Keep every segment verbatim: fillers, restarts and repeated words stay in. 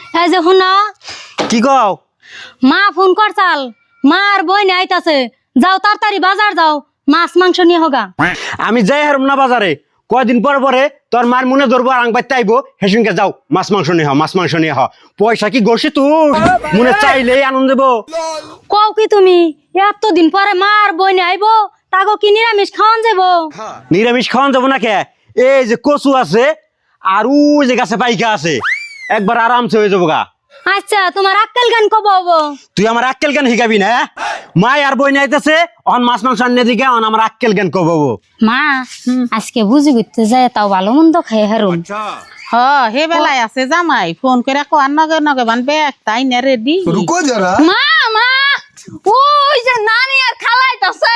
এই যে শুনো কি কও? মা ফোন করছাল, মার বই নিয়ে আইতাছে, যাও তাড়াতাড়ি বাজার যাও, মাছ মাংস নিয়ে হোগা। আমি যাই হারম না বাজারে, কয়দিন পর পরে তোর মার মনে ধরবো আর আংবাইতে আইবো, হেসুনকে যাও মাছ মাংস নিয়ে হ, মাছ মাংস নিয়ে হ। পয়সা কি গড়ছি তুই? মনে চাইলেই আনন্দ দেবো। কও কি তুমি এতদিন পরে মার বই নিয়ে আইবো, তাগো কি নিরামিষ খাওয়ান যাবো? নিরামিষ খাওয়ান যাবো না কে? এই যে কচু আছে আর ওই যে গাছে পাইকা আছে, একবার আরামসে হয়ে যাবো গা। আচ্ছা তোমার আক্কেল গান কব হবো? তুই আমার আক্কেল জ্ঞান শিখাবি না? মা আর বই নাইতেছে অন মাছ মাংস আনিয়ে দিকে অন আমার আক্কেল জ্ঞান কব। মা আজকে বুঝি করতে যায়, তাও ভালো মন্দ খাই হারুন। হ হে বেলায় আছে জামাই ফোন করে কো আর নগে নগে বানবে তাই না রেডি। रुको जरा। মা মা ওই যে নানি আর খালাইতাছে,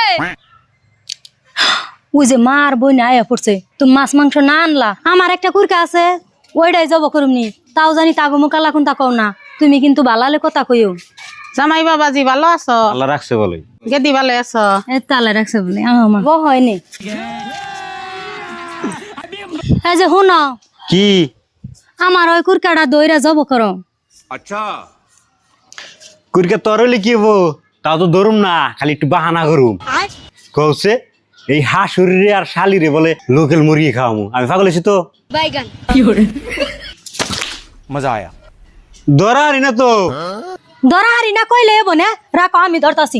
ওই যে মার বই না আয়া পড়ছে, তুমি মাছ মাংস না আনলা, আমার একটা কুরকা আছে ওইটাই জব করুমনি, তাও জানি তাগো মুকালা কোনটা কও না, তুমি কিন্তু বালালে কথা কইও। জামাই বাবাজি ভালো আছো? আল্লাহ রাখছে বলে। গেদি ভালো আছো? এ তালে রাখছে বলে আমার বউ হয়নি। এই যে শুনো, কি? আমার ওই কুরকাটা দইরা জব করো। কুরকে তোর কি হবো? তাও তো ধরুম না, খালি একটু বাহানা করুম। কৌছে এই হাঁসুরি আর শালিরে বলে লোকেল মুরগি খাওয়ামু, আমি পাগল হয়েছি তো। বাইগান मजा आया। ধরারি না তো। ধরা হারি না কইলে এবো না, রাখো আমি ধরতাছি।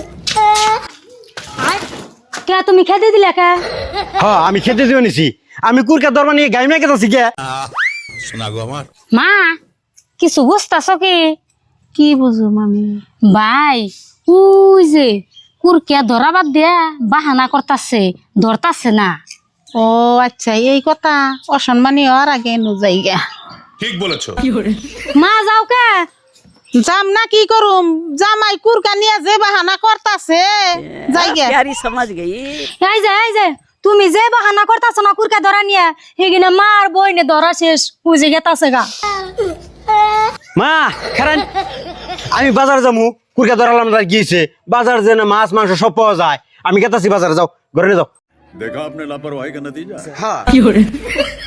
কে তুমি খেতে দিলে কে? হ্যাঁ আমি খেতে দিয়ে নিছি, আমি কুরকা দরবার নিয়ে গাইমে গেছি কে। মা কিছু বুঝতাছ কি? কি বুঝো মামি? ভাই ওই যে কুরকিয়া ধরা বাদ দিয়া বাহানা করতাছে, ধরতাছে না। ও আচ্ছা এই কথা, অসম্মানী হওয়ার আগে নু যাইগা। ঠিক বলেছো। মা যাও কে? যাম না কি করুম, জামাই কুরকা নিয়ে যে বাহানা করতাছে যাইগা। এই যে এই যে তুমি যে বাহানা করতাছ না কুরকা ধরা নিয়ে, হেগিনে মার বইনে ধরা শেষ বুঝে গেতাছে গা। মা খারান, আমি বাজার যাবো, কুরকা ধরালাম গিয়েছে বাজার, যে না মাছ মাংস সব পাওয়া যায়, আমি গেতাছি বাজারে, যাও ঘরে যাও। देखा आपने लापरवाही का नतीजा। হ্যাঁ